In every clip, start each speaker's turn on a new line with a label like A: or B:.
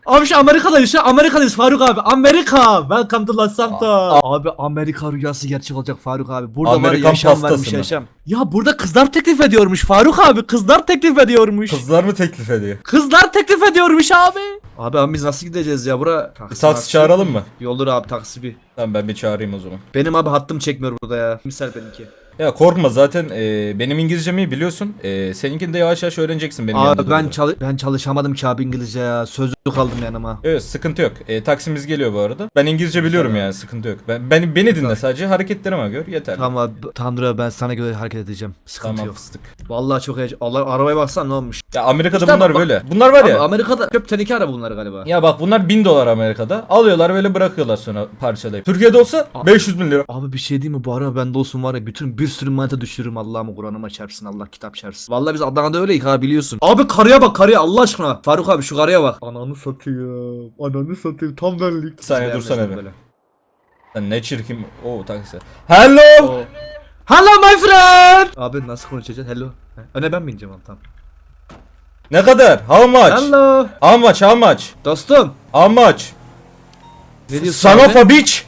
A: Abi şu Amerika'dayız şu Amerika'dayız Faruk abi. Amerika. Welcome to Los Santos. Abi Amerika rüyası gerçek olacak Faruk abi. Burada
B: Amerikan
A: var yaşam
B: pastası
A: varmış
B: mı?
A: yaşam. Ya burada kızlar teklif ediyormuş Faruk abi. Kızlar teklif ediyormuş.
B: Kızlar mı teklif ediyor?
A: Kızlar teklif ediyormuş abi. Abi biz nasıl gideceğiz ya bura?
B: Taksi çağıralım mı?
A: Yoldur abi taksi bir.
B: Tamam ben bir çağırayım o zaman.
A: Benim abi hattım çekmiyor burada ya. Misal benimki.
B: Ya korkma zaten benim İngilizcemi biliyorsun. Seninkini de yavaş yavaş öğreneceksin benim yanımda.
A: Abi ben çalışamadım ki abi İngilizce ya. Sözlük aldım yanıma.
B: Evet sıkıntı yok. Taksimiz geliyor bu arada. Ben İngilizce biliyorum yani sıkıntı yok. Beni dinle sadece hareketlerime gör yeter.
A: Tamam abi Tanrı abi, ben sana göre hareket edeceğim. Sıkıntı
B: Tamam
A: yok.
B: fıstık.
A: Vallahi çok heyecan. Allah arabaya baksan ne olmuş?
B: Ya Amerika'da
A: İşte
B: bunlar
A: bak-
B: böyle. Bunlar var
A: Abi
B: ya.
A: Amerika'da köp teneke araba bunlar galiba.
B: Ya bak bunlar $1000 Amerika'da. Alıyorlar böyle bırakıyorlar sonra parçalayıp. Türkiye'de olsa 500 bin lira.
A: Abi bir şey diyeyim mi bu araba bende olsun var ya bir sürü manita düşürürüm Allah'ımı Kur'an'ıma çarpsın Allah kitap çarpsın. Vallahi biz Adana'da öyleyiz ha biliyorsun. Abi karıya bak karıya Allah aşkına. Faruk abi şu karıya bak. Ananı satayım. Ananı satayım tam benlik.
B: Bir saniye dursana
A: Beğenmezdim
B: bir.
A: böyle.
B: Lan ne çirkin. Oo taksi. Hello.
A: Oo. Hello my friend. Abi nasıl konuşacağız? Hello. Öne ben mi ineceğim abi tamam.
B: Ne kadar? How much?
A: Hello.
B: How much? How much?
A: Dostum.
B: How much?
A: Ne diyorsun
B: Son
A: abi?
B: of a bitch.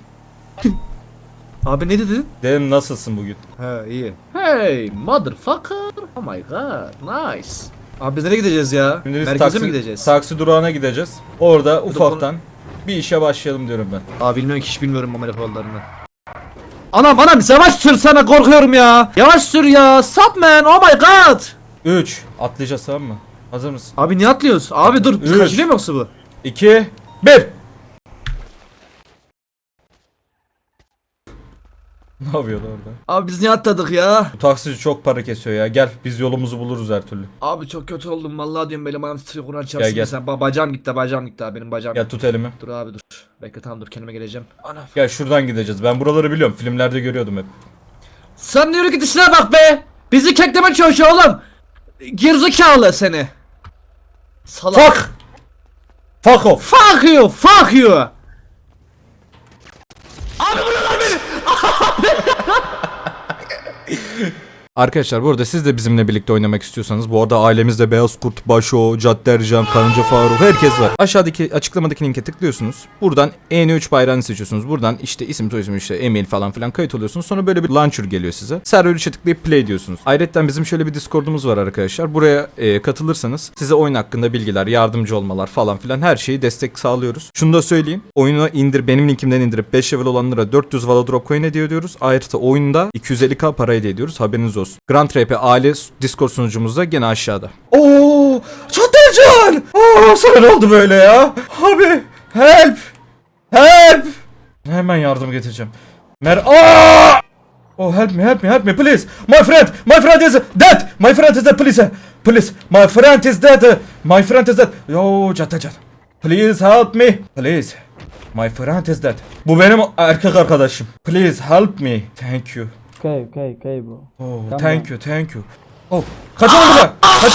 A: Abi ne dedin?
B: Dedim nasılsın bugün?
A: He iyi. Hey motherfucker. Oh my god. Nice. Abi biz nereye gideceğiz ya?
B: Şimdi biz
A: Merkeze mi gideceğiz?
B: taksi durağına gideceğiz. Orada ufaktan bir işe başlayalım diyorum ben.
A: Abi bilmiyorum ki hiç bilmiyorum Amerika yollarını. Anam yavaş sür sana korkuyorum ya. Yavaş sür ya. Stop man. Oh my god.
B: 3. Atlayacağız tamam mı? Hazır mısın?
A: Abi niye atlıyoruz? Abi dur.
B: Üç.
A: Kaçırıyor mu yoksa bu?
B: 2 1. Ne yapıyordu orada?
A: Abi biz niye atladık ya?
B: Bu taksici çok para kesiyor ya. Gel biz yolumuzu buluruz her türlü.
A: Abi çok kötü oldum vallahi diyorum benim ayağım titriyor Kur'an çarpsın.
B: gel.
A: Sen bacağım gitti abi benim bacağım.
B: Gel tut elimi.
A: Dur abi dur. Bekle tamam dur kendime geleceğim. Anam.
B: Gel şuradan gideceğiz. Ben buraları biliyorum. Filmlerde görüyordum hep.
A: Sen yürü git işine bak be. Bizi keklemek çalışıyor oğlum. Gerizekalı seni. Salak.
B: Fuck! Fuck off!
A: Fuck you. Fuck you. Abi buralar beni.
B: Arkadaşlar bu arada siz de bizimle birlikte oynamak istiyorsanız bu arada ailemizde Beyaz Kurt, Başo, Cadde Ercan, Karınca Faruk herkes var. Aşağıdaki açıklamadaki linke tıklıyorsunuz. Buradan EN3 bayrağını seçiyorsunuz. Buradan işte isim soyisim işte email falan filan kayıt oluyorsunuz. Sonra böyle bir launcher geliyor size. Server 3'e tıklayıp play diyorsunuz. Ayrıca bizim şöyle bir Discord'umuz var arkadaşlar. Buraya katılırsanız size oyun hakkında bilgiler, yardımcı olmalar falan filan her şeyi destek sağlıyoruz. Şunu da söyleyeyim. Oyunu benim linkimden indirip 5 level olanlara 400 Valodrop coin hediye ediyoruz. Ayrıca oyunda 250k para hediye ediyoruz. Haberiniz olsun. Grand RP aile Discord sunucumuzda gene aşağıda. Oo, Çatalcan! Oo, sana ne oldu böyle ya? Abi, help! Help! Hemen yardım getireceğim. Oh, help me, please! My friend is dead! My friend is dead, please! Please, my friend is dead! My friend is dead! Yo, Çatalcan! Please help me! Please! My friend is dead. Bu benim erkek arkadaşım. Please help me. Thank you.
C: Okay, bro.
B: Oh,
C: Tamam.
B: thank you. Oh, kaçalım buradan.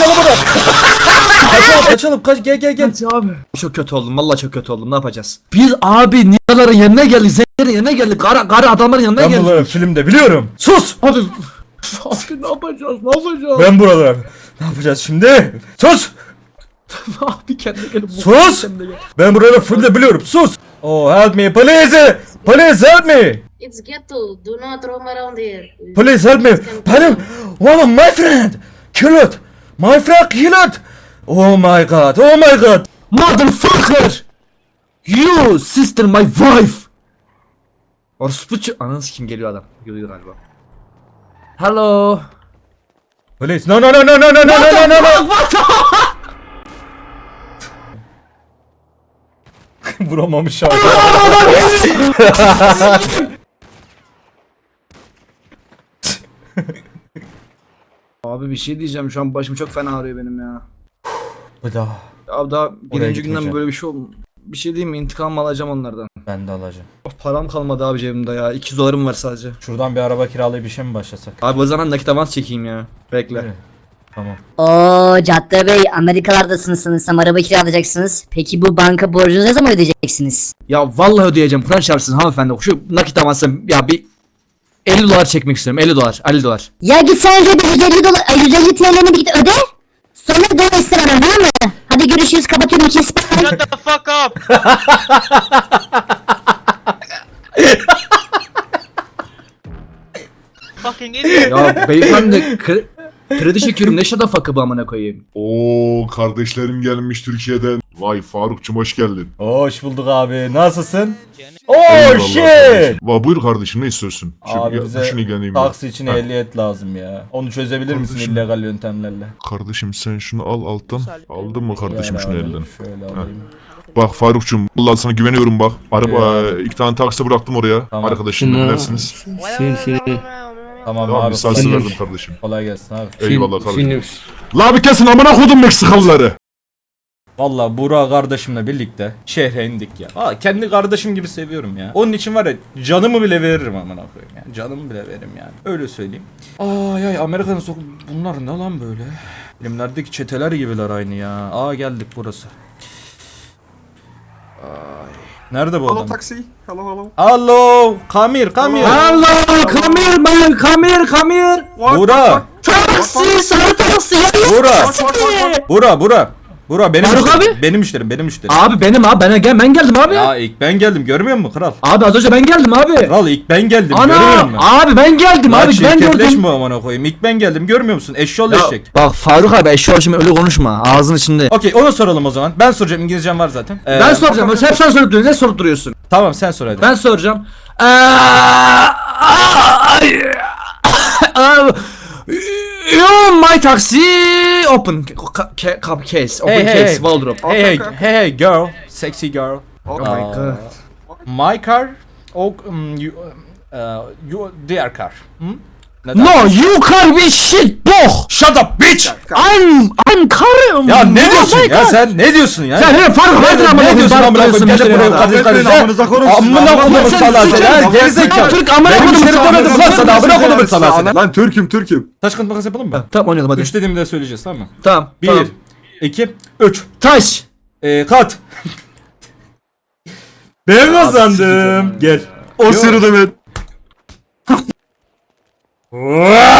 B: Kaçalım. Gel.
A: Abi. Çok kötü oldum. Vallahi çok kötü oldum. Ne yapacağız? Biz abi Niyaların yanına geldik. Zenlerin yanına geldik. Garı adamların yanına
B: Ben
A: geldik.
B: buraları filmde biliyorum. Sus.
A: Abi. Abi ne yapacağız? Ne yapacağız?
B: Ben buraları. Ne yapacağız şimdi? Sus.
A: Abi kendine gelin.
B: Sus. Ben buraları filmde biliyorum. Sus. Oh, help me, please. Please help me.
D: It's ghetto. Do not roam around here.
B: Please help me. Benim. Oh, my friend. Kill it. My friend kill it. Oh my god.
A: Motherfucker! You sister my wife! Orospuçu ananı kim geliyor adam. Geliyor galiba. Hello.
B: Please. No.
A: What the
B: Vuramamış abi.
A: Abi bir şey diyeceğim şu an başım çok fena ağrıyor benim ya.
B: Bir daha.
A: Abi daha birinci günden
B: gitmeyeceğim.
A: böyle bir şey bir şey diyeyim mi intikam alacağım onlardan.
B: Ben de alacağım.
A: Of, param kalmadı abi cebimde ya. 200 dolarım var sadece.
B: Şuradan bir araba kiralayıp işe mi başlasak?
A: Abi o zaman nakit avans çekeyim ya. Bekle.
B: Evet. Tamam.
E: Oo Cadde Bey, Amerikalardasınız sanırsam, araba kiralayacaksınız. Peki bu banka borcunuzu ne zaman ödeyeceksiniz?
A: Ya vallahi ödeyeceğim. Kur'an çarpsın hanımefendi. Şu nakit avansı ya bir 50 dolar çekmek istiyorum. 50 dolar.
E: Ya git sen önce bir 150 dolar, 150 TL'ni bir git öde. Sonra dön ekstradan, var mı? Hadi görüşürüz, kapatıyorum, kes.
C: Shut the fuck up. Fucking idiot.
A: Ya beyefendi kredi çekiyorum ne şada fakı bu amına koyayım.
F: Oo kardeşlerim gelmiş Türkiye'den. Vay Farukçum hoş geldin.
B: Hoş bulduk abi. Nasılsın?
F: Eyvallah
B: Oh shit.
F: kardeşim. Buyur kardeşim ne istiyorsun?
B: Abi bize
F: şunu geleyim.
B: taksi için
F: Ha.
B: ehliyet lazım ya. Onu çözebilir misin
F: Kardeşim.
B: illegal yöntemlerle?
F: Kardeşim sen şunu al alttan. Aldın mı kardeşim
B: Yani
F: şunu
B: abi,
F: elden?
B: Şöyle alayım.
F: Bak Farukçum vallahi sana güveniyorum bak. Araba
B: Eyvallah.
F: 2 tane taksi bıraktım oraya.
B: Tamam.
F: Arkadaşım dinlersiniz.
B: Tamam
F: Tamam
B: abi.
F: lisansı
B: kolay-
F: verdim kardeşim.
B: Kolay gelsin abi.
F: Eyvallah kardeşim. La bir kesin amına kodum Meksikalıları.
B: Valla Burak kardeşimle birlikte şehre indik ya. Kendi kardeşim gibi seviyorum ya. Onun için var ya canımı bile veririm amına koyayım yani. Canımı bile veririm yani. Öyle söyleyeyim. Ay Amerika'nın bunlar ne lan böyle? Filmlerdeki çeteler gibiler aynı ya. Geldik burası. Ay. Nerede bu adam?
G: taxi. Hello.
B: Hello, come here.
A: Hello, come here man, come here.
B: Burak.
E: Taksi, sarı taksi,
B: Burak benim
A: Faruk
B: müşterim.
A: abi?
B: Benim müşterim.
A: Abi benim abi ben geldim abi.
B: Ya ilk ben geldim görmüyor musun kral?
A: Abi az önce ben geldim abi.
B: Kral ilk ben geldim görmüyor
A: Ana
B: musun?
A: abi ben geldim
B: Lan
A: abi ben gördüm.
B: çirkefleşme amına koyayım. İlk ben geldim görmüyor musun? Eşşoğlu
A: Ya,
B: eşek.
A: bak Faruk abi eşya şimdi öyle konuşma ağzın içinde.
B: Okey onu soralım o zaman. Ben soracağım İngilizcem var zaten.
A: Ben soracağım. Hep sen sorup duruyorsun. Ne sorup duruyorsun?
B: Tamam sen sor hadi.
A: Ben soracağım. You my taxi open case open case wardrobe.
B: Hey girl, sexy girl.
G: Oh
A: my God.
B: My car, you their car. Neden?
A: No you car be shit boh.
B: Shut up bitch.
A: I'm car.
B: Ya ne
A: Oh
B: diyorsun
A: my
B: ya
A: God.
B: sen ne diyorsun ya?
A: Sen ne Faruk verdin amına
B: Ne diyorsun amına koyayım? Gel de buraya kardeş kardeş. Amına koyayım sana sen. Gerizekalı.
A: Türk amına
B: Benim
A: koydum
B: müşterim demedim lan sana amına koyayım sana sen.
G: Lan Türk'üm.
B: Taş kağıt makas yapalım mı?
A: Tamam oynayalım hadi.
B: 3 dediğimde söyleyeceğiz tamam mı?
A: Tamam.
B: 1
A: tamam.
B: 2 3
A: Taş.
B: Kat. Ben kazandım. Gel.
G: O sırada ben.